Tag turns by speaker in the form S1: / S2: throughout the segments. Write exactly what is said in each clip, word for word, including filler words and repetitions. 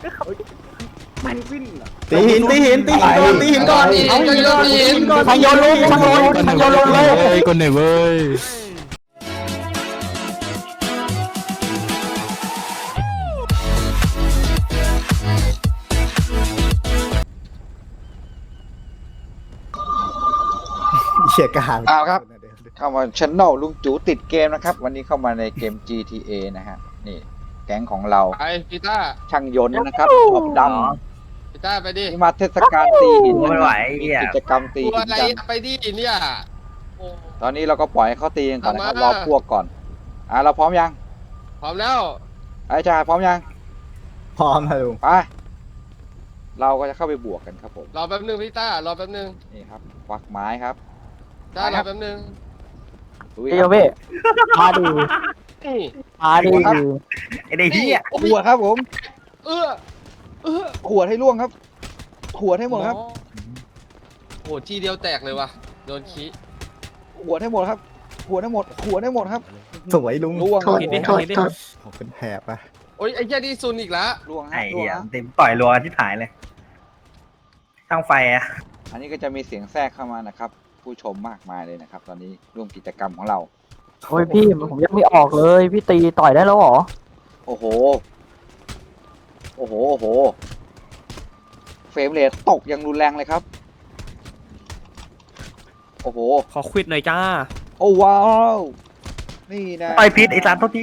S1: มันขึ้น
S2: ตีหินตีหินตีหินก่อนตีหินก่อน
S3: เอาหินก่อนตีหินก่อน
S2: ทางโยนลุงทางโยนทางโยนลงเลย
S4: คนไหนเว้ย
S2: เชี่ยกา
S5: เอาครับ เข้ามาช anel ลุงจูติดเกมนะครับ วันนี้เข้ามาในเกม จี ที เอ นะฮะนี่แก๊งของเรา
S3: ไปพีต้า
S5: ช่างยนต์นะครับขอบด
S3: พีต้าไปดิ
S5: ำนี่มาเทศกาลตีหิน
S1: ไม่ไหว
S5: มี
S1: เหี้ย
S5: กิจกรรมตี
S3: ตัว
S5: หิน
S3: อะไร
S5: กัน
S3: ไปดิเนี่ยโอ้
S5: ตอนนี้เราก็ปล่อยให้เขาตีกันก่อนนะครับ
S3: เอา
S5: ร
S3: มา
S5: อพวกก่อนอ่ะเราพร้อมยัง
S3: พร้อมแล้ว
S5: ไอ้ชายพร้อมยัง
S2: พร้อมนะลุง
S5: ไปเราก็จะเข้าไปบวกกันครับผม
S3: รอแป๊บนึงพีต้ารอแป๊บนึง
S5: นี่ครับควักไม้ครับ
S3: จ้ารอแป๊บนึง
S5: ลุย
S6: เดี๋
S5: ค
S6: ย
S5: รั
S6: ว
S5: บ
S6: พี่มาดู
S3: นี่
S6: มาดู
S1: ไอ้เด็กเหี้ย
S5: ขวดครับผม
S3: เออเออ
S5: ขวดให้ล่วงครับขวดให้หมดครับ
S3: โอ้ทีเดียวแตกเลยว่ะโดนขี้
S5: ขวดให้หมดครับขวดให้หมดขวดให้หมดครับ
S2: สวยลุง
S5: ล่วง
S6: โทษโทษโทษ
S2: ผมเป็นแผลปะ
S3: โอ้ยไอ้เหี้ยนี่ซุนอีกละ
S5: ล่วงฮะ
S1: ไอ้
S5: ล่วง
S1: เหี้ย
S5: ฮะ
S1: เต็มปล่อยรัวที่ถ่ายเลยช่างไฟอะ
S5: อันนี้ก็จะมีเสียงแทรกเข้ามานะครับ ผู้ชมมากมายเลยนะครับ ตอนนี้ร่วมกิจกรรมของเรา
S6: โอ้ยพี่ผมยังไม่ออกเลยพี่ตีต่อยได้แล้วเหรอ
S5: โอ้โห โอ้โห โอ้โห เฟรมเรทตกอย่างรุนแรงเลยครับ โอ้โห
S7: ขอควิดหน่อยจ้า
S5: โอ้ว้าว นี่นะ
S1: ต่อยพิษไอ้สารทุกที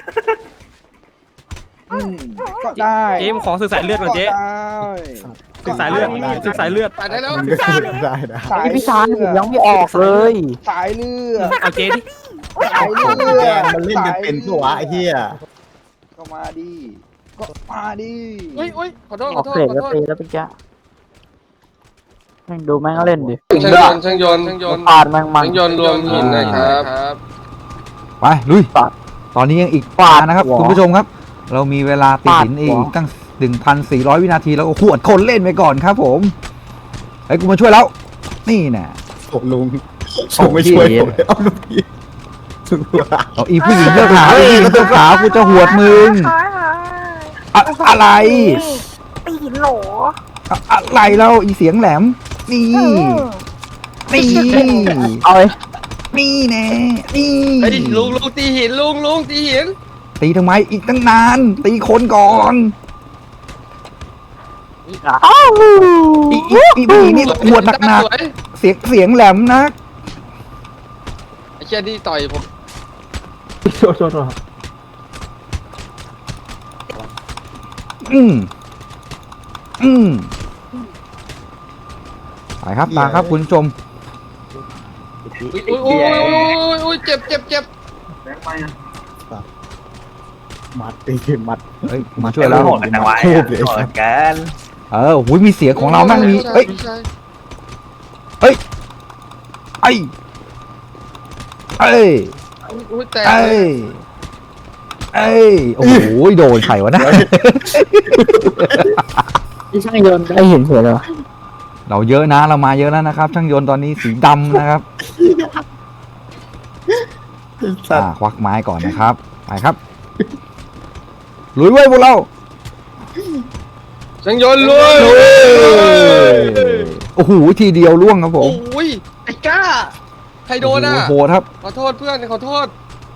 S5: อืมก็ได้
S7: เจ๊ผมขอสื่อสายเลือดก่อนเจ๊
S5: ก็ได้
S7: สื่อสายเลือดสื่อสายเลือด
S3: ไปได้แล้ว
S2: มันก็ขึ้นได้นะ
S5: สาย
S6: ไอพี่ชายผมยังไม่ออกเลย
S5: สายเลือด
S7: เอาเจ๊ดิ
S5: สายเลื
S2: ของแก
S5: อด
S2: มันเล่นกันเป็นปะวะไอ้เหี้ย
S5: ก็มาดิ ก็มาดิ
S3: อุ้ยอุ้ยขอโทษ
S6: อ
S3: ข
S6: อ
S3: อก โทษ
S6: เสร็จ
S3: ขอ
S6: แล้ว
S3: โทษ
S6: ตีแล้วเป็นแกแม่งดูแม่งเล่นดิ
S3: ช่างยนต์ช่างยนต์ช่างยนต์
S6: ปาดแม่งมัน
S3: ช่างยนต์รวมหินนะครับ
S4: ไปลุย
S6: ปาด
S4: ตอนนี้ยังอีก
S6: ปาด
S4: นะครับ
S6: หัว
S4: คุณผู้ชมครับ เรามีเวลาตี
S6: ปาด
S4: หินอี
S6: หั
S4: ก
S6: ว
S4: ตั้ง หนึ่งพันสี่ร้อย วินาทีแล้วก็ขวดคนเล่นไปก่อนครับผมไอ้ยกูมาช่วยแล้ว นี่น่ะ
S2: ผมลุงผมไม่ช่วยผมเลยเอาลูกพี่สุดว่า
S4: เอาอีผู้หญิงเลือกหาอีผู้หญิงเลือกหากูจะหวดมึงอะอะไร
S8: ตีหินโหล
S4: อะอะไรแล้วอีเสียงแหลม นี่ นี่
S6: เอาเลย
S4: นี่แน่นี่
S3: ไอ้ยลุงลุงตีหินลุงลุงตีหิน
S4: ตีทำไมอีกตั้งนาน ตีคนก่อน
S6: อ้าว
S4: อีอีอีผู้หญิงนี่หวดหนัก
S3: สวย
S4: ๆเสียงเสียงแหลมนะ
S3: ไอ้เชี่ยนี่ต่อยผม
S6: โทษโทษโทษ
S4: อืมอืมไปครับตาครับคุณผู้ชม
S3: อุ้ยอุ้ยอุ้ยอุ้ยอุ้ยเจ็บเจ็บเจ็บ
S2: มัดตีมัด
S4: เฮ้ยมาช่วยแล้ว
S1: โหดกันจังวะ
S2: โคตรเลย
S1: โหดกัน
S4: เออหุยมีเสียงของเรานั่งมีเอ้ย
S3: ไม่ใช่
S4: ไอ้ไอ้
S3: อุ้ยอุ้ยแตก
S4: ไอ้
S3: เลย
S4: ไอ้โอ้โหโดนไข่วะนะ
S6: พี่ช่างยนต์ได้เห็นเสือเลยวะ
S4: เราเยอะนะเรามาเยอะแล้วนะครับ ช่างยนต์ตอนนี้สีดำนะครับ
S2: สั
S4: อ่า
S2: ตว์
S4: ควักไม้ก่อนนะครับไปครับลุยเว้ยพวกเรา
S3: ช่างยนต์เลย
S4: โอ้โหทีเดียวล่วงครับผม
S3: โอ้ยไอ้ก้าใครโดนอ่ะ
S4: โอ้โหโหดครับ
S3: ขอโทษเพื่อนขอโทษ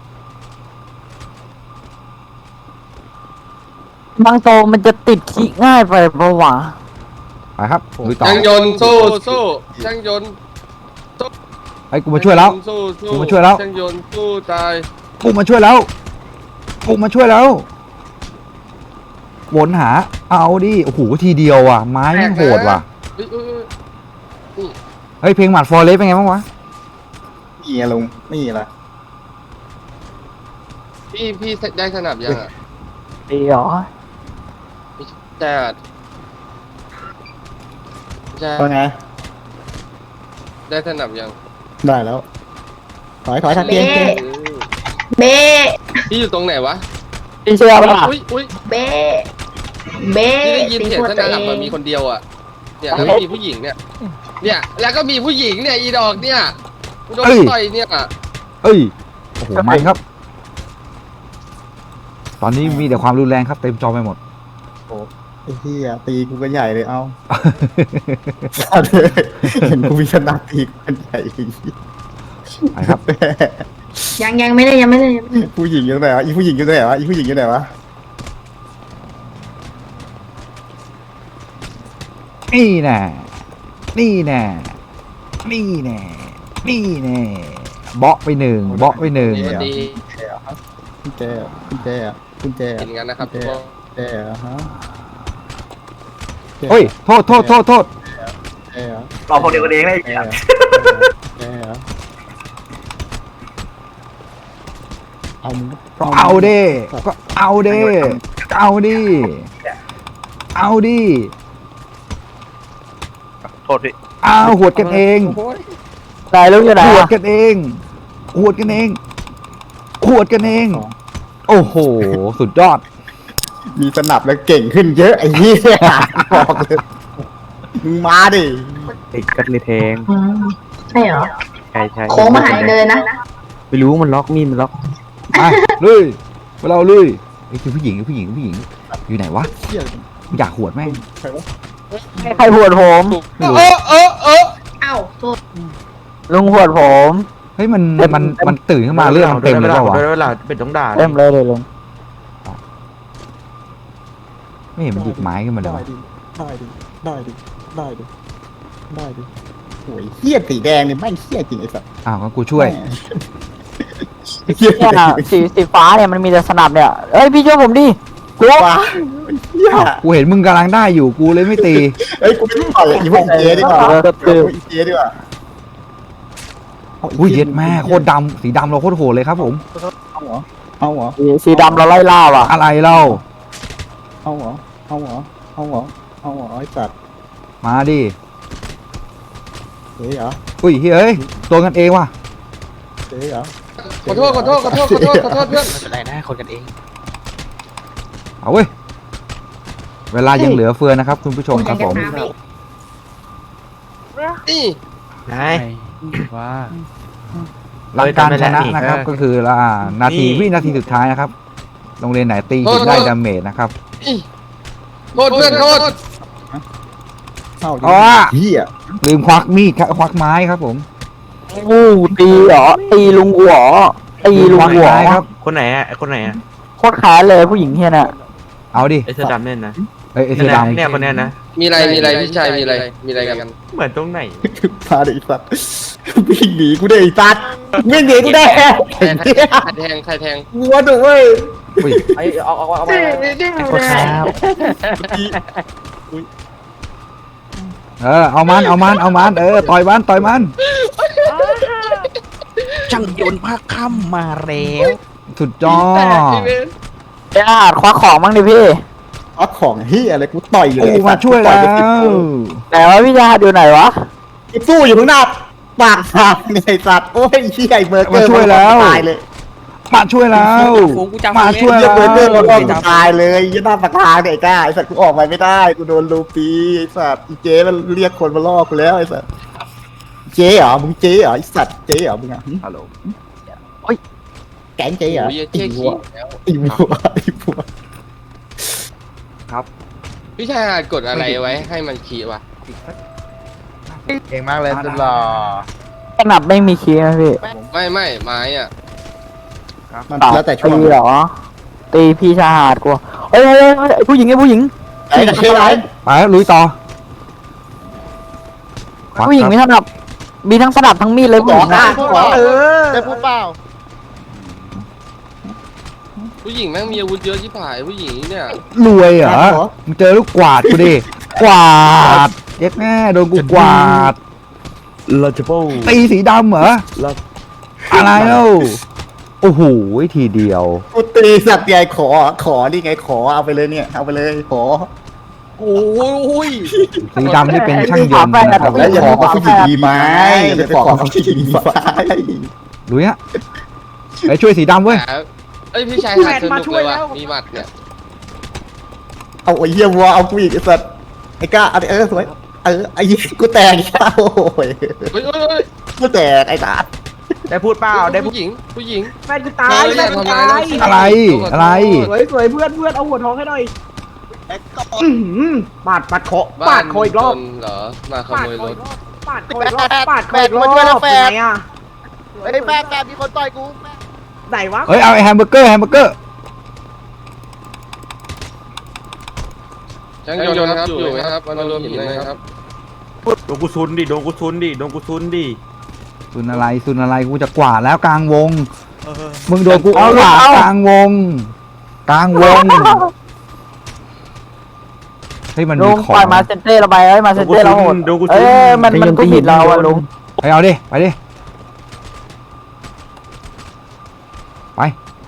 S6: บางโตมันจะติดขี้ง่ายไปปะวะ
S4: ไปครับลุยต่อ
S3: ช่างยนต์สู้สู้ช่างยนต์
S4: ไอ้กูมาช่วยแล้ว
S3: สู้สู้
S4: กูมาช่วยแล้ว
S3: ช่างยนต์สู้ตาย
S4: กูมาช่วยแล้วกูมาช่วยแล้ววนหาเอาดิโอ้โหทีเดียวอ่ะไม้มันโหดว่ะ
S3: อุ๊ยอุ๊ยอุ๊ย
S4: เฮ้ยเพลงหมัดฟอร์เรสเป็นไงบ้างวะ
S2: นี่ไงลุงนี่ละ
S3: พี่พี่ได้สนับยังอ่ะ
S6: ตีเหรอ
S3: แต่จะ
S2: ว่าไง
S3: ได้สนับยัง
S2: ได้แล้วถอยถอยทักเกมเกม
S8: เบ้
S3: พี่อยู่ตรงไหนวะ
S6: พี่เชื่อปะล่ะ
S3: อุ้ยอุ้ย
S8: เบ้เบ้
S3: พี่ได้ยิน
S8: ตี
S3: เสียง
S8: หัว
S3: ส
S8: ตัว
S3: นับ
S8: เอ
S3: มัน
S8: ง
S3: มีคนเดียวอ่ะเนี่ยแล้วก็มีผู้หญิงเนี่ย เนี่ย แล้วก็มีผู้หญิงเนี่ยอีดอกเนี่ยกูโดนต่อยเนี่ย
S4: เอ้ยโอ้โหมันครับ ตอนนี้มีแต่ความรุนแรงครับเต็มจอไปหมด
S2: ไอ้เหี้ยตีกูก็ใหญ่เลยเอาเห็นกูมีขนาดตีกูกันใหญ่
S4: ไปครับ
S8: ยังยังไม่ได้ยังไม่ได้ยังไม่ได้
S2: ผู้หญิงอยู่ไหนวะอีผู้หญิงอยู่ไหนวะอีผู้หญิงอยู่ไหนวะ
S4: นี่แน่นี่แน่นี่แน่นี่แน่เบาะไปหนึ่งเบาะไปหนึ่ง
S3: ดี
S2: คุณแจคุณแจคุณแจ
S3: กินกันนะครับทุกคน
S2: แจฮะ
S4: เฮ้ยโทษโทษโทษโทษ
S2: แจ
S1: เราพวกเดียวกันเองได้
S2: แจแจเอามึง
S4: เอาดิก็เอาดิเอาดิเอาดิ
S1: โทษพี่
S4: เอาหวดกันเอง
S6: ตายแล้วอยู่ไหน
S4: หวด
S6: อะ
S4: กันเองหวดกันเองหวดกันเอง โอ้โหสุดยอด
S2: มีสนับแล้วเก่งขึ้นเยอะไอ้เหี้ยบอกเลยมึงมาดิ
S7: ติดกันเลยแทง
S8: อืมใช่เหรอ
S7: ใช่ใช่
S8: โค้งมาหายเลยนะ
S7: ไม่รู้มันล็อกมีดมันล็อก
S4: ไปเลยไปเราเลยไอ้คือผู้หญิงผู้หญิงผู้หญิงอยู่ไหนวะ
S2: เหี้ย
S4: อยากหวดแม่ง
S2: ใครวะ
S6: ใครหวดผม
S4: ไม่รู้
S3: เออเออเออ
S8: เอ้าโทษ
S6: ลุงหวดผม
S4: เฮ้ยมันมันมันตื่นขึ้นมาเรื่องมันเต็มเลยเปล่าวะ
S7: เวลาเป็นต้องด่า
S6: เต็มเลยเลยลุง
S4: ไม่เห็นมันหยิบไม้ขึ้นมาเลย
S2: ได้
S4: วะ
S2: ดิได้ดิได้ดิได้ดิได้ดิโอ้ยเหี้ยสีแดงเนี่ยแม่งเหี้ยจริงไอ้สัส
S4: อ้าวงั้นกูช่วย
S2: เหี้ย
S6: เนี่ยสีสีฟ้าเนี่ยมันมีแต่สนับเนี่ยเอ้ยพี่ช่วยผมดิกลัว
S2: ว้าเหี้ย
S4: กูเห็นมึงกำลังได้อยู่กูเลยไม่ตี
S2: เอ้ยกูไม่ต่อยอีพวกอีเจดีกว่า
S6: เออ
S2: เอาอีเจดีกว่า
S4: อุ้ยเย็ดแม่โคตรดำสีดำเราโคตรโหดเลยครับผม
S2: เอาเหรอเอาเหรอ
S6: สีสีดำเราไล่ล่าว่ะ
S4: อะไรเล่า
S2: เอาเหรอเอาเหรอเอาเหรอเอาเหรอไอ้สัตว์
S4: มาดิ
S2: เฮ้ยเหรอ
S4: อุ้ยเฮ้ยตัวกันเองว่ะ
S2: เฮ้ยเหรอ
S3: ขอโทษขอโทษขอโทษขอโทษขอโทษเพื่อน
S7: ไม่เป็นไรนะคนกันเอง
S4: เอาเว้ยเวลายังเหลือเฟือนะครับคุณผู้ชมครับผม
S3: นี่
S7: นายว่า
S4: หลักการชนะนะครับก็คือละนาทีวินาทีสุดท้ายนะครับโรงเรียนไหนตีหินได้ดาเมจนะครับ
S3: นี่โทษเพื่อนโทษ
S2: เศร้าดิ
S4: อ๋อ
S2: เหี้ย
S4: ลืมควักมีดครับควักไม้ครับผม
S6: อู้ตีเหรอตีลุงกูเหรอตีลุง
S4: ควัก
S6: กูเหรอ
S4: ไม้ครับ
S7: คนไหนอ่ะคนไหนอ่ะ
S6: โคตรแค้นเลยผู้หญิงเฮียน่ะ
S4: เอาดิ
S7: ไอ้เสื้อดำเนี่ยนะ
S4: เอ้ยไอ้เสื้อดำ
S7: เนี่ยคนเนี้ยนะ
S3: มีอะไรมีอะไรพี่ชายมีอะไรมีอะไรกัน
S7: เหมือนตรงไหน
S2: พาเด็กสัตว์วิ่งหนีกูได้ไอ้สัตว์วิ่งหนีกูได้
S3: ใครแทงใครแทง
S2: วัวดุเว้ย
S4: อุ้ย
S7: ไอ้เอาเอาเอาไป
S6: คนแค้น
S4: เออเอามันเอามันเอามันเออต่อยมันต่อยมัน
S7: ช่างยนต์ภาคค่ำมาแล้ว
S4: สุดยอด
S6: ไอ้อาจคว้าของบ้างดิพี่
S2: เอาของเฮียอะไรกูต่อยเลย
S4: กูมาช่วยแล้ว
S6: แต่ว่าพี่ชาอยู่ไหนวะ
S2: กูสู้อยู่ข้างหน้าปากทางเนี่ยไอ้สัตว์โอ้ยเฮียไอ้เบอร์เกอร์
S4: มาช่วยแล้ว
S2: ตายเลย
S4: มาช่วยแล้วมาช่วย
S2: เฮีย
S4: แล้ว
S2: เบอร์เกอร์มันก็ตายเลยยี่หน้าปากทางเนี่ยไอ้ก้าไอ้สัตว์กูออกไปไม่ได้กูโดนลูปีไอ้สัตว์อีเจมันเรียกคนมาล่อกูแล้วไอ้สัตว์เจ๊เหรอมึงเจ๊เหรอไอ้สัตว์เจ๊เหรอมึงอ่ะ
S4: ฮัลโหล
S2: แก๊งเจ๊เหรอ
S3: โอ้ย
S2: ไอ้
S3: เจ๊
S2: หั
S3: ขี้
S2: วไอ้หัวไอ้หัว
S3: พี่ชายอาจกดอะไรไว้ให้มันขี้วะ
S1: เก่งมากเลยสุดหล่อ
S6: สนับไม่มีคีย์นะพี่
S3: ไม่ไม่ไม้อ่ะ
S2: มันแล้วแต่ช่วง
S6: ตีเหรอตีพี่ชาหาดกูเอ้ยเอ้ยเอ้ยผู้หญิงไอ้ผู้หญิง
S2: ไอ้เจ๊ไร
S4: ไปแล้วลุยต่อควัก
S6: ผู้หญิง
S4: ครับ
S6: มีสนับมีทั้งสนับทั้งมีดเลยผู้หญิง
S2: อ่ะ
S6: อะ
S2: เออได้พูดเปล่า
S3: ผู้หญิงแม่งมีอาวุธเยอะชิบหายผู้หญิงเนี่ย
S4: รวยเหรอมึงเจอลูกกวาดกูดิกวาดเย็ดแม่โดนกูกวาด
S7: เราจะโป้
S4: ตีสีดำเหรอ
S7: เรา
S4: อะไรเล่าโอ้โหทีเดียว
S2: กูตีสัตว์ใหญ่ขอขอนี่ไงขอเอาไปเลยเนี่ยเอาไปเลยขอ
S3: โอ้ย
S4: สีดำนี่เป็นช่างยนต์นะครับ
S2: แล้วอย่าบอกว่าผู้หญิงมีไม้อย่าไปบอกว่าผู้หญิงมีไม้
S4: ลุยฮะไปช่วยสีดำเว้ย
S3: แต่เอ้ยพี่ชายหาดสนุกเลยว่ะมีหมัดเนี่ย
S2: เอาไอ้เหี้ยวัวเอากูอีกไอ้สัตว์ไอ้ก้าเอาไปเออสวยเออไอ้เหี้ยกูแตกอีกแล้วโอ้ย
S3: เฮ้ยเฮ้ยเฮ้ย
S2: กูแตกไอ้สัตว์
S7: ได้พูดเปล่าได้พูด
S3: ผู้หญิงผู้หญิง
S9: แฟนกูตายแฟนกูตาย
S4: อะไรอะไร
S9: สวยสวยเพื่อนเพื่อนเอาหัวทองให้หน่อย
S2: อื้อหือปาดปาดคอปาดคออีกรอบ
S3: บ้านจนเหรอมาขโมยรถ
S2: ปาดคออีกรอบปาดคออีกรอบเป็นไงอ่ะ
S5: ไอ้แม่แกมีคนต่อยกู
S2: ไหนวะ
S4: เฮ้ยเอาไอ้แฮมเบอร์เกอร์แฮมเบอร์เกอร์
S3: ช่างยนต์ครับอยู่ไหมครับมารวมหินเลยครับ
S7: โดนกูซุนดิโดนกูซุนดิโดนกูซุนดิ
S4: ซุนอะไรซุนอะไรกูจะกวาดแล้วกลางวงมึงโดนกูเอาหลากลางวง กลางวงเฮ้ยมัน
S6: ลุ
S4: มี
S6: ง
S4: ขอ
S6: ปล่อย
S4: ง
S6: มาเซนเต้เราไปเอ้ยมาเซนเต้เราโหด
S7: โดนกู
S6: เอ้
S7: ซุน
S6: ยมันมันก็ผิดเราอะลุง
S4: ไปเอาดิไปดิไป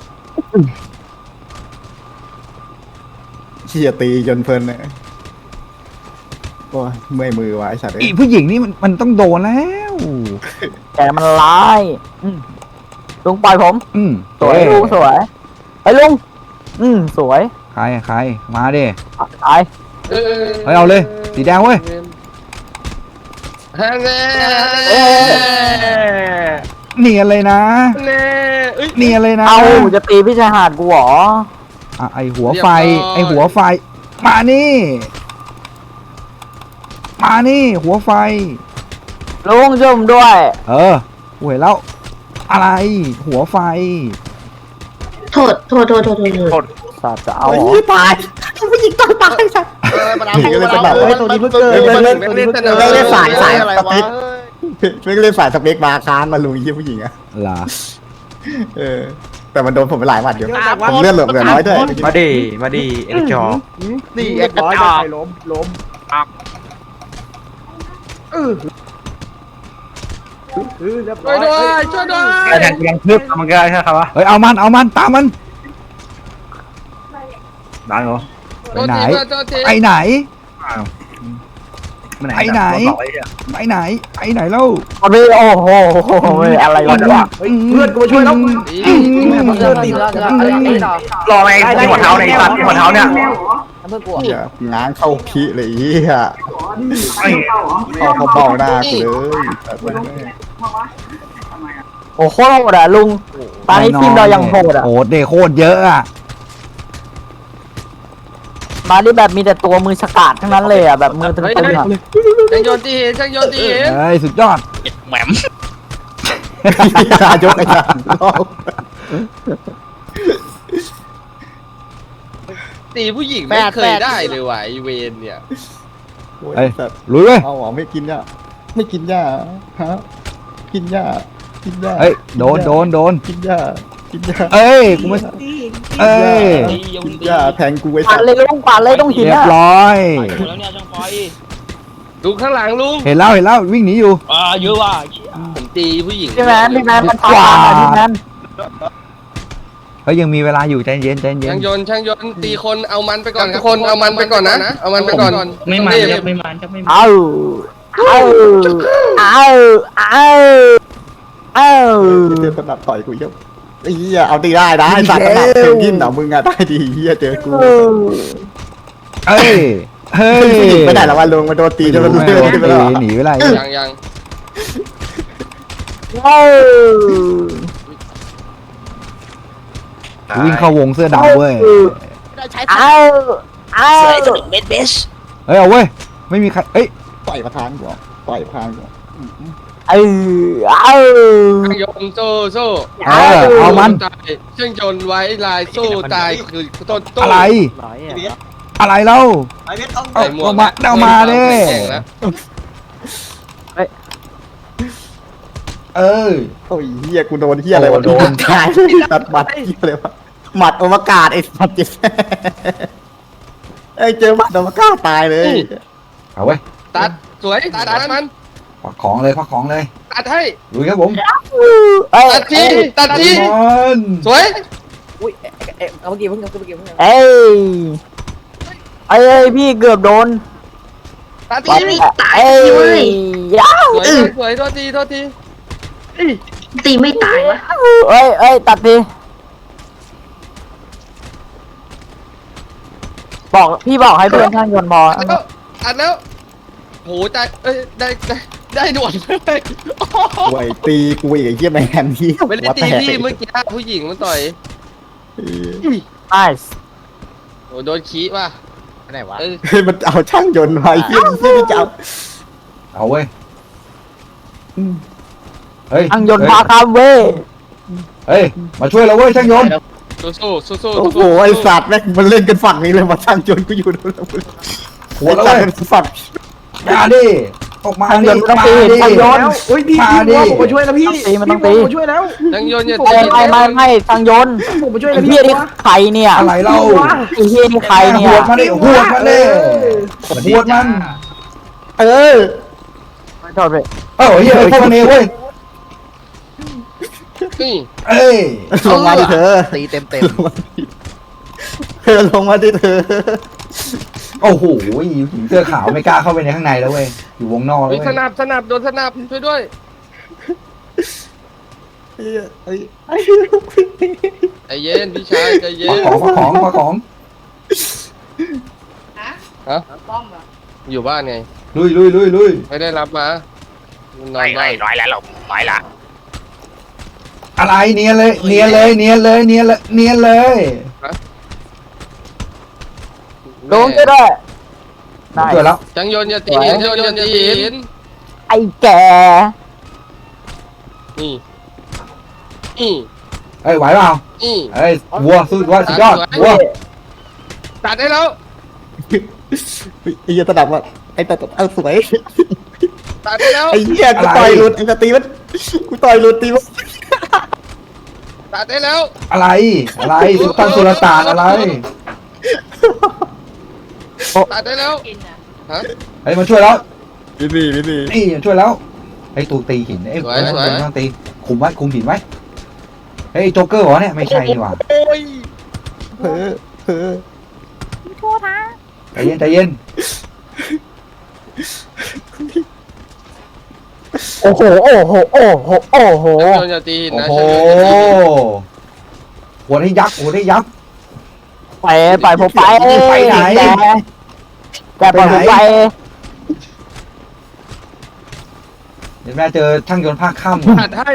S2: เขี่ยตีจนเพลินเลยโอ้ยเมื่อยมือวะไอ้สัตว์
S4: อีผู้หญิงนี่มันมันต้องโดนแล้ว
S6: แต่มันร้ายอืมลุงปล่อยผม
S4: อืม
S6: สวยลุงสวยไอ้ยลุงอืมสวย
S4: ใครใครมาดิ
S6: ตาย
S3: เออ
S4: เฮ้ยเอาเลยสีแดงเว้ย
S3: ฮะแน่
S4: เนียนเลยนะ
S3: แน่เอ้ย
S4: เนียนเลยนะ
S6: เอาจะตีพี่ชายหาดกูเหรอ
S4: อ่ะไอหัวไฟ
S3: เรียบร้อย
S4: ไอหัวไฟ มานี่ มานี่หัวไฟ
S6: ลุงช่วยผมด้วย
S4: เออกูเห็นแล้ว อะไร หัวไฟ
S8: โทษโทษโทษโทษโทษโทษ
S6: สัตว์จะเอา
S2: โอ้
S6: เหรอย
S2: ตายผู้หญิงต้องตายสัตว์
S5: เออมันเอา
S2: หญิงก็เลยเป็นแบบ
S5: มั
S2: เฮ้ย
S5: น
S2: ตัวนี้เพิ่ง
S5: เกิ
S2: เกิ
S5: ด
S2: ด
S5: มัน
S2: เล่น
S3: ไม่ได้เสนอ
S2: ไม่ได้สายสาย
S5: อะไร
S2: ส
S5: วะ
S2: เปคไม่ได้เล่นสายสเปคมาค้างมาลุงยี่ผู้หญิงอะ
S4: เหรอ
S2: เออ แต่มันโดนผมไปหลายหมัดอยู่ผมเลือดเหลือเหลือน้อยด้วย
S7: มาดิมาดิเอ็กจอ
S5: นี่เอ็กซ์จอก
S2: ล้มล้ม
S3: ช่วยด้วยช่วยด้วย
S1: แต่แทงกูยังทึบมันก็ได้ใช่ครับวะ
S4: เฮ้ยเอามันเอามันตามมัน
S1: ได้เหรอ
S4: ไปไหน
S3: โทษทีโทษที
S4: ไปไหน
S1: มัน
S4: ไปไหน
S1: บอกไว้เนี่ย
S4: ไปไหนไปไหนแล้ว
S6: มันไม่โอ้โหอะไรวะเนี่ย
S2: เพื่อนกูมาช่วยแล้ว
S3: ดี
S1: รอไงที่หัวเท้าในสัตว์ที่หัวเท้าเนี่ย
S2: อย่าง้างเข้าพิเลยเฮีย
S1: ไอ้
S2: เข้าเขาเบ้าหน้ากูเลยแต่มันไม่
S6: โอ้โหโหดอะลุงตอนนี้ทีมเรายังโหดอะ
S4: โหดเดโคตรเยอะอะ
S6: มาที่แบบมีแต่ตัวมือฉกาจทั้งนั้นเลยอะแบบมือตึงๆอะ
S3: ช่างยนต์ที่เห็นช่างยนต์ที่เห็น
S4: เฮ้ยสุดยอด
S1: แหมม
S2: ตายกไอ้ยานรอบ
S3: ตีผู้หญิงไม่เคยได้เลยว่ะไอเวนเนี่ย
S4: เฮ้ยลุยเว้ย
S2: เอาหรอไม่กินยาไม่กินยาฮะกินยากินยา
S4: เฮ้ยโดนโดนโดน
S2: กินยากินยา
S4: เอ้ยกูไม่เอ้ย
S2: กินยาแทงกูไอ้
S6: ปา
S2: สั
S6: ด
S2: ตว์
S6: เลยลุงปาดเลยต้องหิน
S4: เรียบ
S6: อะ
S4: ร้อย
S3: ลุงข้างหลังลุง
S4: เห็นแล้วเห็นแล้ววิ่งหนีอยู่
S3: ผมตีผู้หญิง
S6: พี่แมนพี่แมนมันปาดอะพี่แมน
S4: เฮ้ยยังมีเวลาอยู่ใจเย็นใจเย็
S3: ช่าน งยนต์ช่างยนต์ตีคนเอามันไปก่อนครับคนเอามันไปก่อนนะเอามันไปก่อน
S1: ไม่มันครับไม่มันครับไม่มัน
S6: เอาเอาเอาเอาเอา
S2: เจอสนับต่อยกูเยอะไอ้เหี้ยเอาตีได้นะไอ้สัตว์สนับเพนกินเหรอมึงอะได้ดีเหี้ยเจอกู
S4: เฮ้ยเฮ้ย
S2: ผู้หญิงไปไหนแล้ววะลุงมาโดนตีจนมัน
S4: ไม่
S2: เลือด
S4: โดน
S2: ขึ้นไป
S4: ตี
S2: แล้ว
S4: หนีไปไร
S3: ยังยัง
S6: เอา
S4: วิ่งเข้าวงเสื้อดำเว้ย
S6: เอาเอา
S4: เฮ้ยเอาเว้ยไม่มีใครเอ้ย
S2: ต่อยประธานกูเหรอต่อยประธานกูเหรอ
S6: เออเอา
S3: ช่างยนต์โซ่โซ่
S4: เออเอามัน
S3: ตายช่างยนต์ไว้ลายโซ่ตายคือต้นต้น
S4: อะไร อะไรเล่าเอา
S3: ใส่หมวก
S4: เอามาเอามาเด้
S3: แข่งแล้ว
S4: เออ
S2: โอ้ยเหี้ยกูโดนเหี้ยอะไรวะ
S4: โดน
S2: ตายตัดบัตรเหี้ยอะไรวะหมัดอวกาศไอ้สัตว์เจ็บไอ้ยเจอหมัดอวกาศตายเลย
S4: เอาเว้ย
S3: ตัดสวยตัดมัน
S4: ควักของเลยควักของเลย
S3: ตัดให้
S4: ลุยครับผม
S6: เอ้ย
S3: ตัดทีตัดที
S4: มัน
S3: สวย
S6: เอ้ยเอ้ยพี่เกือบโดน
S3: ตัด
S6: ปั
S3: ที
S6: ดเอ้ยยาว
S3: สวยสวยโทษทีโทษที
S8: ตีไม่ตายวะ
S6: เอ้ยเอ้ยตัดดิบอกพี่บอกให้เพื่อนช่างยนต์บอ
S3: อัดแล้วอัดแล้วโหได้เอ้ยได้ได้ได้หนวดเลย
S2: กูไอ้ตีกูอีกไอ้เหี้ยแมนที่
S3: ไม่ได้ตีพี่เมื่อกี้ผู้หญิงมันต่อย
S6: ไอส์
S3: โหโดนขี้ว่ะ
S6: ไหนวะ
S3: เอ้ย
S2: เฮ้ยมันเอาช่างยนต์มาไอ้เหี้ยเหี้ยนี่จะเอา
S4: เอาเว้ยเฮ้ย
S6: อังยนต์พาคามเว้ย
S4: เฮ้ยมาช่วยเราเว้ยช่างยนต์
S3: สู้สู้สู้สู้
S2: โอ้โหไอ้สัตว์แม่งมันเล่นกันฝั่งนี้เลยมาช่างยนต์กูอยู่นู่นแล้ว
S4: หัวเรา
S2: ไอ้
S4: เว้ย
S2: สัตว์ฝั่ง
S4: มาดิออกมา
S6: อัง
S4: ดิ
S6: ยนต์ต้อง
S4: มา
S6: ตี
S4: ดิ
S6: อังยนต์
S1: เฮ้ยพี่
S4: มา
S1: พี่
S4: ดิ
S1: วัวผมมาช่วยแล้วพี่
S6: ตีมันต้องตี
S1: พี่วัวผมมาช่วยแล้ว
S3: ช่างยนต์อย่า
S6: ไม่
S3: ตี
S6: ไม่ไม่ไม่อังยนต์
S1: ผมมาช่วยแล้
S6: ไอ้
S1: วพี่
S6: เหี้ยนี่
S1: วัว
S6: ใครเนี่ย
S4: อะไรเล่า
S6: ไอ้เหี้ยนี่ใครเนี่
S4: ห
S6: ยว
S4: ดมาดิหวดมาดิหวดมัน
S2: เออ
S6: โทษไป
S4: เออเฮ้ยพวกมันเองเว้ย
S3: นี่
S4: เอ้ย
S2: ลงมาดิเธอ
S6: ตีเต็มเต็ม
S2: ลงมาดิเธอลงมาดิเธอ
S4: โอ้โหหญิงเสื้อขาวไม่กล้าเข้าไปในข้างในแล้วเว้ยอยู่วงนอกแล้ว
S3: เฮ้ย
S4: เว้ย
S3: สนับสนับโดนสนับช่วยด้วย
S2: ไอ้ไอ้ไอ้
S3: ใจเย็นพี่ชายใจเย็
S4: มาน ของมาของมาของ
S3: ฮะอยู่บ้านไง
S4: ลุยลุยลุยลุย
S3: ไม่ได้รับมานอนบ้าน
S1: ร้อยแล้วหลบร้อยละ
S4: อะไรเนียนเลยเนียนเลยเนียนเลยเนียนเลยเนียนเลย
S6: ลงก็ได้ได้
S4: ช่วยแล้ว
S3: ช่างยนต์อย่าตีช่างยนต์อย่าตี
S6: ไอ้แก
S3: นี่นี่
S4: เอ้ยไหวเปล่า
S3: นี่
S4: เอ้ยวัวสู้วัวสุดยอดวัว
S3: ตัดได้แล้ว
S2: ไอ้เหี้ยตะดับอ่ะไอ้ตะดับเอาสวย
S3: ตัดได้แล้ว
S2: ไอ้เหี้ยกูต่อยหลุดไอ้สตีมันกูต่อยหลุดตีมัน
S3: ตัดได้แล้ว
S4: อะไรอะไรสุลต่านสุลต่านอะไร
S3: ตัดได้แล้วฮะ
S4: เฮ้ยมาช่วยแล้ว
S2: พี่พี่พี่พี่
S4: นี่มาช่วยแล้วไอ้ตูตีหินไอ้
S3: สวยสวย
S4: ต้องตีคุมไว้คุมหินไว้เฮ้ยโจ๊กเกอร์เหรอเนี่ยไม่ใช่นี่หว่า
S3: โอ้ย
S2: เพ้อเพ้อ
S4: ใจเย็นใจเย็น
S6: โอ้โหโอ้โหโอ้โหโอ้โห
S3: ช่างยนต์อย่าตี
S4: โอ้
S3: นะ
S4: โห
S3: ช่างยนต์อย่าตี
S4: หัวได้ยักษ์หัวได้ยักษ์
S6: ไปไปผมไป
S4: ไปไหน
S6: แกแกปล่อยผมไป
S4: เดี๋ยวแม่เจอช่างยนต์ภาคค่ำ
S3: ตัดให้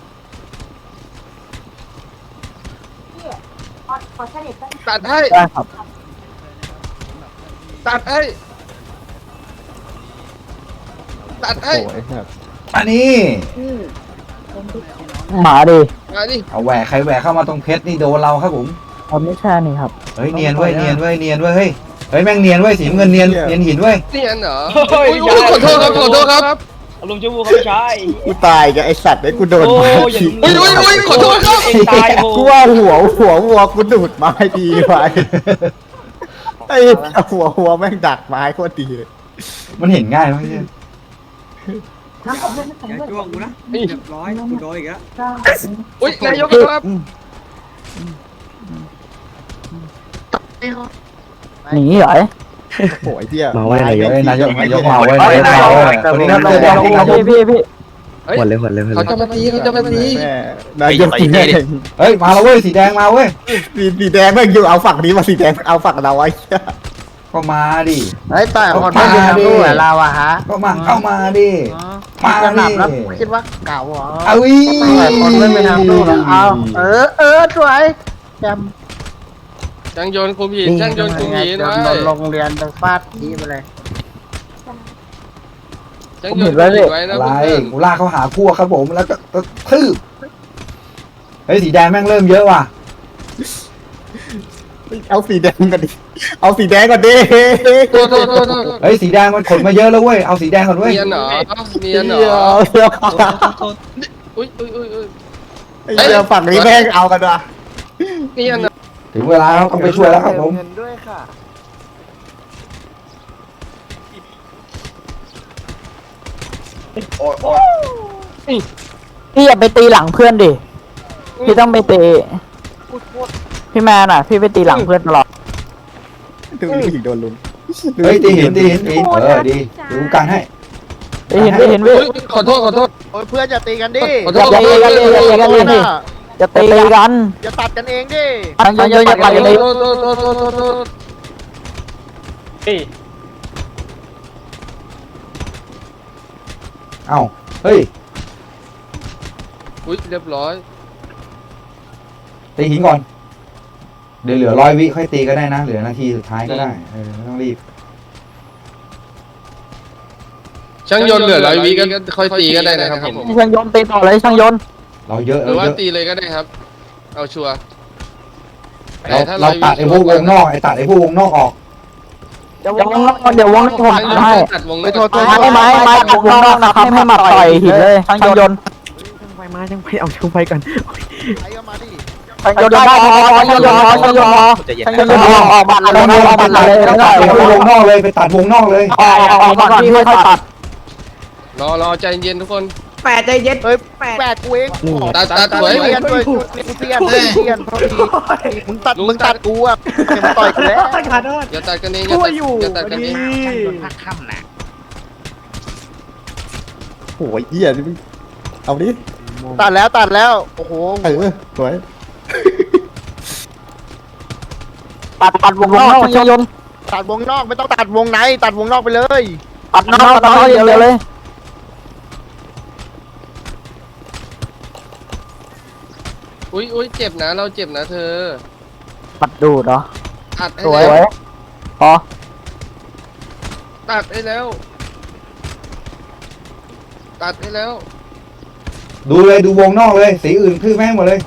S3: ตัดให้
S6: ได้ครับ
S3: ตัดให้ตัดให้
S2: โอ้ยครับ
S4: อันนี้
S6: หมาดิ
S3: มาดิ
S4: เอาแหวกใครแหวกเข้ามาตรงเพชรนี่โดนเราครับผม
S6: ผมไม่ใช่นี่ครับ
S4: เฮ้ยเนียนเว้ยเนียนเว้ยเนียนเว้ยเฮ้ยเฮ้ยแม่งเนียนเว้ยสีน้ำเงินเนียนเนียนหินเว้ย
S3: เนียนเหรออุ้ยอุ้ยขอโทษครับขอโทษครับ
S1: ลุงจูบูเขาไม่ใช่
S2: กูตายกับไอ้สัตว์ไอ้กูโดนไม้ที
S3: อุ้ยอุ้ยอุ้ยขอโทษครับ
S1: เองตายโห
S2: กูว่าหัวหัววัวกูดูดไม้ดีไปไอ้หัวหัวแม่งดักไม้โคตรดีเลย
S4: มันเห็นง่ายมั้ยเนี่ย
S1: อย่าจ้วงกูนะเรียบร้อยกูโดนอีกแล้ว
S3: อุ้ยนายกครับ
S6: หนีเหรอ
S2: โอ้ยเหี้ย
S4: มาไว้นายกนายกนายกมาไว้นายกมาไว้วันนี้นักเตะแดงที่ครับผม
S6: พี่พี่พี่
S3: หมดเลยหมดเลยเขาจะมาตีเขาจะมาตี
S2: แม่นายกสีแดง
S4: เฮ้ยมาแล้วเว้ยสีแดงมาเว้ย
S2: สีสีแดงแม่งอยู่เอาฝั่งนี้มาสีแดงเอาฝั่งเราไว้
S4: ก็มาดิ
S6: ไอ้ต่อยคนไม่ยืนดูเหรอเราอะฮะ
S4: ก็มาเข้ามาดิมาดิ
S6: คิดว่าเก่าเหรอ
S4: เอาอี
S6: คนไม่ไปทำดูหรอเอาเออเออสวยจ
S3: ช่างยนต์คุมหิน
S6: ำ
S3: ช่างยนต์คุมหินไว้
S6: โรงเรียนฟาดทีไปเลย
S3: ช่างยนต์คุมหินไว้นะ
S4: อะไร
S3: เพื่อน
S4: กูลากเขาหาพวกครับผมแล้วก็ทืบเฮ้ยสีแดงแม่งเริ่มเยอะว่ะ
S2: เอาสีแดงกันดิเอาสีแดงก่อนดิ
S3: โทษโทษโทษโทษ
S4: เฮ้ยสีแดงมันขนมาเยอะแล้วเว้ยเอาสีแดงก่อนเว้ย
S3: เนียนเหรอเนียนเหรออุ้ยอุ้ยอุ้ยอุ้ย
S2: ไอ้เหี้ยฝั่งนี้แม่งเอากันว่ะ
S3: เนียนเหรอ
S4: ถึงเวลาเราต้องไปช่วยแล้วครับผม
S6: เงินด้วยค่ะพี่อย่าไปตีหลังเพื่อนดิ พี่ต้องไปตีพี่แมนอ่ะ พี่ไปตีหลังเพื่อนตลอด
S2: ดูนี่โดนลุม
S4: เฮ้ยตีหินตีหินตีหินเออดีดูกันให้
S6: ได้เห็นได้เห็นพี่
S3: อุ้ยขอโทษขอโทษ
S6: โอ้ยเพื่อนอย่าตีกันดิ
S3: ขอ
S6: อ
S3: โท
S6: ย่า
S3: ษขอ
S6: ตี
S3: โทษ
S6: กันดิอย่าตีกันดิอย่าตีกันอย่าตัดกันเองดิ
S3: ข
S6: ยังยังอย่าตัดกันเอง
S3: โทษโทษโทษโทษโทษโทษ
S1: เฮ้ย
S4: เอ้าเฮ้ย
S3: อุ้ยเรียบร้อย
S4: ตีหินก่อนเดี๋ยวเหลือร้อยวิค่อยตีก็ได้นะ เหลือนาทีสุดท้ายก็ได้เออไม่ต้องรีบ
S3: ช่างยนต์เหลือร้อยวิก็ค่อยตีก็ได้นะครับผม
S6: ช่างยนต์ตีต่อเลยช่างยนต์
S4: เราเยอะ
S3: หรื
S4: เรา
S3: อว่า
S4: เยอะ
S3: ตีเลยก็ได้ครับ เอาชัวร์
S4: เรา
S3: แต่ถ้า
S4: เรา
S3: ร้อยวิ
S4: ตัดไอ้พวกวงนอกไอ้ตัดไอ้พวกวงนอกออก
S6: เดี๋ยววงนอกเดี๋ยววงนอกผม
S3: ช่างยนต์
S6: ให้
S3: ตัดวงน
S5: ไม่
S3: อก
S5: โทษโทษ
S6: ไม้ไม้ไม้ตัดวงนอกนะครับให้มาต่อยหินเลยช่างยนต์
S5: ไปมายังไปเอาช่างไฟก่อนไปก็มาดิ
S6: ช่างยนต์ได้พอช่างยนต์พอช่างยนต์พอช่างยนต์พอออกบัตรเลยออกบัตรเลย
S4: ไป
S6: แล้ว
S4: ตั
S6: ก็
S4: ดไอ้พวกวงนอกเลยไปตัดวงนอกเลย
S6: ออกออกบัตรพี่ค่อยตัด
S3: รอรอใจเย็นทุกคน
S1: แปดใจเย็น
S5: เอ้ยแปดกูเอง
S3: ตัดตัดสวย
S5: เตียนด้วยกูเตียนเตียนเตียนมึงตัดมึงตัดกูอ่ะมึงต่อยกูแล้ว
S1: ขาดโทษ
S3: อย่าตัดกันเองอย่า
S1: ช่ว
S3: ตั
S1: ย
S3: ด
S1: อยู่
S3: อย่าตัดกันเอง
S2: โอ้ยเหี้ยนี่มึงเอาดิ
S5: ตัดแล้วตัดแล้วโอ้โห
S2: เออสวย
S6: ตัดตัดวงนอกช่างยนต์
S5: ตัดวงนอกไม่ต้องตัดวงในตัดวงนอกไปเลย
S6: ตัดนอกตัดนอกเดียวเลย
S3: อุ้ยอุ้ยเจ็บนะเราเจ็บนะเธอ
S6: ตัดดูดเหรอ
S3: ตัดให้
S6: สวย
S3: แล้ว
S6: พอ
S3: ตัดให้แล้ว ตัดให้แล้ว
S4: ดูเลยดูวงนอกเลยสีอื่นคือแม่งหมดเลย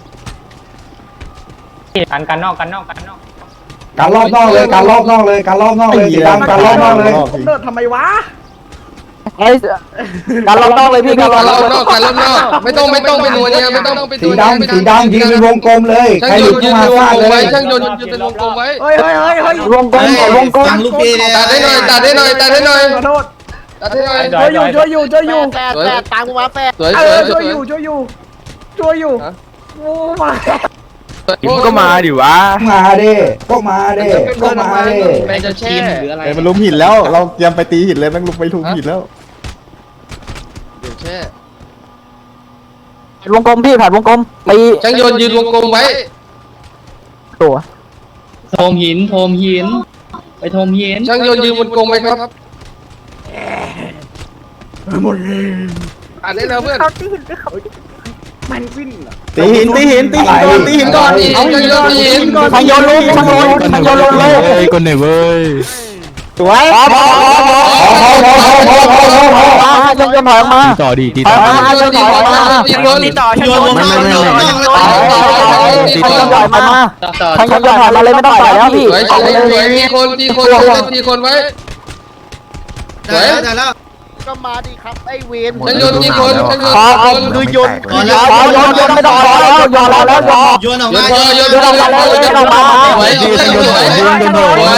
S9: กันกันนอกกันนอกกันนอก
S4: การรอบนอกเลยการรอบนอกเลยการรอบนอกเลยสีดำการรอบนอกเลย
S1: เดินทำไมวะ
S6: ไอ้การรอบนอกเลยพี่การร
S3: กั
S6: อน บ
S3: รอบน
S6: น
S3: อ
S6: อก ก
S3: กันรอบนอกไม่ต้องไม่ต้องไปนัวเนี่ยไม่ต้องไป
S4: สีดำสีดำยืนเป็นวงกลมเลยใค
S3: ช่าง
S4: ร
S3: ย
S4: หลุ
S3: น
S4: ด
S3: ต์ยื
S4: เข้าน มา
S3: เป็นวง
S4: ฟาด
S3: กลม
S4: เล
S3: ไว้
S4: ย
S3: ช่างยนต์ยืนเป็นวงกลมไว้
S1: เฮ้ยเฮ้ยเฮ้ยเฮ้ยว
S6: งกลมวงกลม
S3: ตัดให้หน่อยตัดให้หน่อยตัดให้หน่อย
S1: ขอโทษ
S3: ตัดให้หน่อย
S1: ช่วยอยู่ช่วยอยู่ช่วยอยู่
S5: แปดแปดตามกูมาแปด
S3: สวย
S1: เอ
S3: สวย
S1: อ
S3: ส
S1: ช่
S3: ว
S1: วย ยอยู่ช่วยอยู่ช่วยอยู่โอ้มา
S3: ก็มาดิวะ
S4: มาเด้ก็มาเด้ก็มาเด้
S3: แม่จะแช่
S2: เอ้ยมันลุมหินแล้ว เราเตรียมไปตีหินเลยแม่งลุมไปลุมหินแล้ว
S3: เดี๋ยวแช่
S6: วงกลมพี่ผ่านวงกลมตี
S3: ช่างยนต์ยืนวงกลมไว้
S6: ตัว
S9: โทมหินโทมหิน ไปโทมหิน
S3: ช่างยนต์ยืนวงกลมไว้ครับตัดได้แล้วเพื่อน
S1: มันวิ่ง
S2: ตีหินตีหินตีหินก่อนตีหินก่อน
S3: เอาช่างยนต์ยืนก่อน
S6: ช่างยนต์ลงช่างยนต์ช่างยนต์ลงเลย
S7: คนไหนเว้ย
S2: สวย
S6: พอพอพอพอ
S4: พอพอพอพอพอพอพอ
S6: มาช่างยนต์ถอยมา
S7: ต่อดีตี
S6: ถ
S7: ต่
S6: อ
S7: อย
S6: มาช่างยนต์ถอยมา
S3: ตีคน
S1: ต่อช่วย
S7: ไม่ไม่ไม่ไม่
S6: ช่างยนต์ถอยมาช่างยนต์ถอยมาเลยไม่ต้องต่อยแล้วพี่
S3: สวยสวยสวยตีคนตีคนตีคนไว้สวย
S5: ก็มาดิครับไอ้เวน
S3: ช่างยนต์ตีคนช่างยนต์
S6: พอ
S3: ตีคน
S5: คือยนต์
S6: พอยนต์ยนต์ไม่ต้องต่อยแล้วยนต์แล้วยนต์
S3: ยนต์พอยนต์
S6: ยนต์ออกมาแล้วยนต์ออกมา
S3: สวยสวยสวยสวย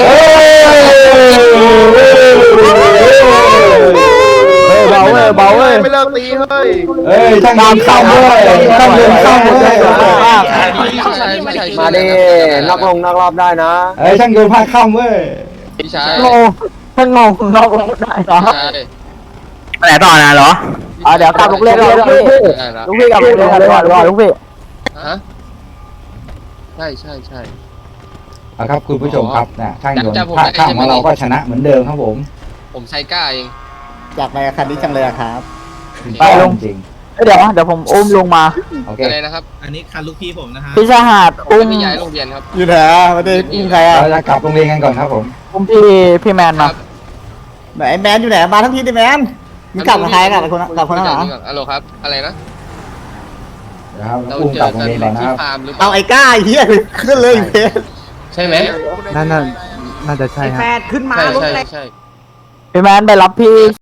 S6: เฮ้ยเบาเว้ยเบาเว้ย
S5: ไม่เลิกตีเฮ้ย
S4: เอ้ยช่างยิงเข้าเลยช่างยิงเข้าเลย
S3: มาดิ
S5: นอกลงนอกรอบได้นะ
S4: เอ้ยช่างโยนผ้าข้ามเว้ย
S3: พี่ชาย
S6: โง่ถ้างงนอกรถได้เหรอ
S7: ไปไหนต่อนะเหรอ
S6: อ่ะเดี๋ยวกลับลูกเล่นเลยลูกพี่ลูกพี่กลับลูกเล่นเลยก่อนลูกพี่
S3: ฮะใช่ใช่ใช่
S4: เอาครับคุณผู้ชมครับนะช่างโยนผ้าข้ามของเราก็ชนะเหมือนเดิมครับผม
S3: ผมใช้ก้าเอง
S2: อยากไปอาคารนี้จังเลยอะครับ
S6: ไปลง
S4: จริง
S6: เดี๋ยวเดี๋ยวผมอุ้มลงมา
S4: โอเค
S3: อะไรนะครับ
S9: อันนี้คันลูกพี่ผมนะฮะ
S6: พี่ชายหาดอุ้ม
S3: ไม่ย้ายโรงเรียนครับ
S2: อยู่ไหนอะไม่ได้อุ้มใครอะ
S4: เราจะกลับโรงเรียนกันก่อนครับผม
S6: อุ้มพี่พี่แมนมา
S2: ไหนแมนอยู่ไหนมาทั้งทีดิแมนมึงกลับกับใครกับคนกับคนนั้นเหรอ
S3: ฮัลโหลครับอะไรนะ
S4: นะครับ
S3: เรา
S4: อุ้ม
S3: เจ
S4: กลั
S3: อบ
S4: โรง
S3: กัน
S4: เรียนก่อนนะ
S3: ที่
S4: ครับ
S3: ฟาร์มหรือเป
S2: เอา
S3: ล่า
S2: ไอ้ก้าไอ้เหี้ยขึ้นเลยเพชร
S3: ใช่ไหม
S7: นั่นน่ะน่าจะใช่
S1: ไอ้
S7: ค
S1: แป
S7: รับ
S1: ดขึ้นมา
S3: ใช่
S1: รถ
S3: ใช่
S1: แรก
S3: ใช่
S6: พี่แมนไปรับพี่